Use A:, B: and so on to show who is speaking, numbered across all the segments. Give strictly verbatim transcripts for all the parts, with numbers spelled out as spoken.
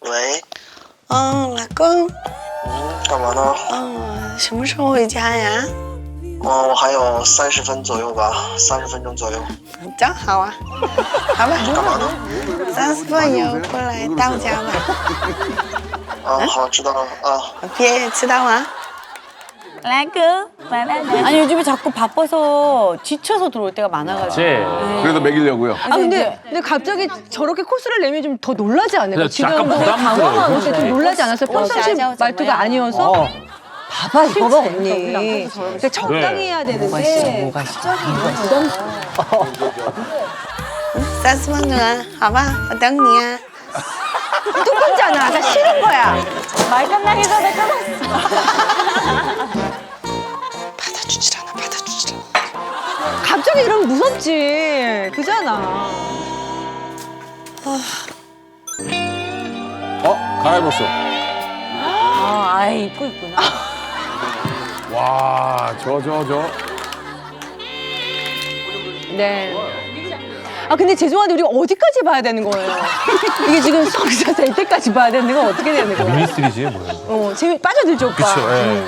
A: 喂，
B: 嗯，老公，
A: 嗯，干嘛呢？
B: 嗯，什么时候回家呀？
A: 嗯，我还有三十分左右吧，三十分钟左右。
B: 正好啊，好吧，
A: 干嘛呢？
B: 三十分以后过来到家吧。
A: 啊，好，知道了啊。
B: 别迟到啊。
C: 아니 요즘에 자꾸 바빠서 지쳐서 들어올 때가 많아가지고.
D: 그래서 먹이려고요.
E: 아 근데 근데 갑자기 저렇게 코스를 내면 좀 더 놀라지 않을까? 지금
F: 약간 부담스러워요.
E: 당황하고 좀 놀라지 않았어요? 평상시 말투가 아니어서.
F: 어.
E: 봐봐 이거 봐 언니. 근데 적당히 해야 되는데.
C: 뭐가 있어?
E: 부담스러워.
B: 三十分钟啊，好吧，我等你啊。
E: 또 끊잖아. 나 싫은 거야.
C: 말 끝나기 전에 끊었어.
B: 받아주질 않아, 받아주질 않아.
E: 갑자기 이러면 무섭지. 그잖아.
D: 어? 갈아입었어.
C: 아, 아예 입고 있구나.
D: 와, 저, 저, 저.
E: 네. 아 근데 죄송한데 우리가 어디까지 봐야 되는 거예요? 이게 지금 성사 될 때까지 봐야 되는 건 어떻게 되는 거예요?
F: 미니스트리지 뭐야.
E: 어 재미 빠져들죠 오빠.
F: 그쵸. 예.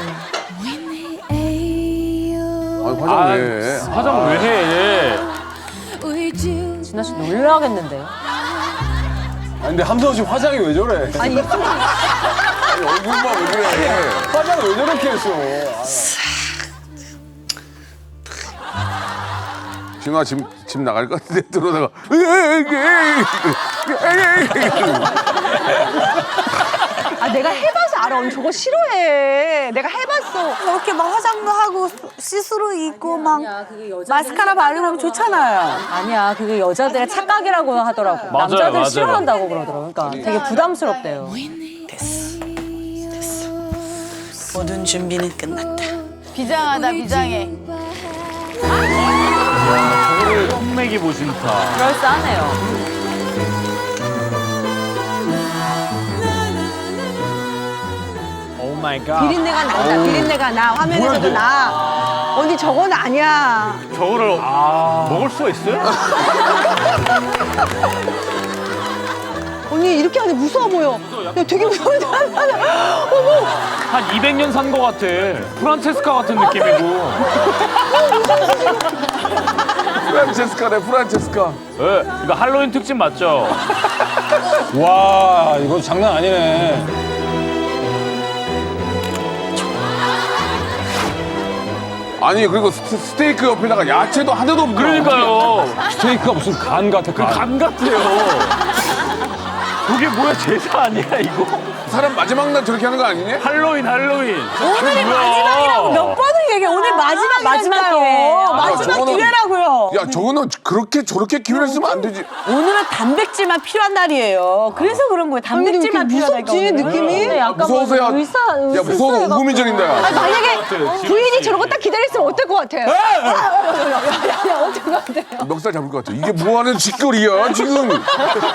D: 아, 화장 왜 해?
F: 화장 왜 해?
C: 진아 씨 놀라겠는데요?
D: 아니, 근데 함성 씨 화장이 왜 저래?
E: 아니 입술
D: 아니, 얼굴만 왜 그래? 화장을 왜 저렇게 했어? 진아 집, 집 나갈 것 같은데 들어다가
E: 아 내가 해봐서 알아. 언니 저거 싫어해. 내가 해봤어.
C: 저렇게 막 화장도 하고 시스루 입고 막 마스카라 바르고 하면 좋잖아요. 아니야, 그게 여자들의 착각이라고 하더라고.
F: 맞아요,
C: 남자들
F: 맞아요.
C: 싫어한다고 그러더라고요. 그러니까 되게 부담스럽대요.
B: 됐어, 됐어. 모든 준비는 끝났다.
C: 비장하다, 비장해.
F: 저거를 썸맥이 보신다.
C: 그럴싸하네요.
F: 오 마이 갓.
E: 비린내가 난다. 비린내가 나. 화면에서도 나. 언니 저건 아니야.
F: 저거를 먹을 수가 있어요?
E: 언니 이렇게 하는데 무서워 보여. 야 되게 무서운데. 어머.
F: 한 이백 년 산 거 같아. 프란체스카 같은 느낌이고.
D: 프란체스카네, 프란체스카.
F: 예, 이거 할로윈 특집 맞죠?
G: 와, 이거 장난 아니네.
D: 아니, 그리고 스, 스테이크 옆에다가 야채도 하나도 없고.
F: 그러니까요.
G: 스테이크가 무슨 간 같아,
F: 그
G: 간.
F: 간 같아요. 그게 뭐야, 제사 아니야 이거?
D: 사람 마지막 날 저렇게 하는 거 아니니?
F: 할로윈 할로윈.
C: 오늘이 마지막이라고 몇 번을 얘기해. 오늘 마지막 마지막 기회예요. 마지막
D: 저거는-
C: 기회라고요.
D: 야, 저거는 그렇게 저렇게 기회를 쓰면 안 되지.
C: 오늘은 단백질만 필요한 날이에요. 그래서 그런 거예요. 단백질만
E: 근데 왜 이렇게
C: 필요하다니까.
E: 무섭지,
C: 오늘은.
E: 느낌이?
C: 근데 약간
D: 무서워서 야,
C: 뭐 의사,
D: 야, 무서워서 우후민정인다, 야.
E: 아니, 만약에
F: 같아요, 지금
E: 부인이
F: 씨.
E: 저런 거 딱 기다렸으면 어떨 것 같아요? 야야야 어떨 것 같아요?
D: 멱살 잡을 것 같아. 이게 뭐 하는 짓거리야, 지금.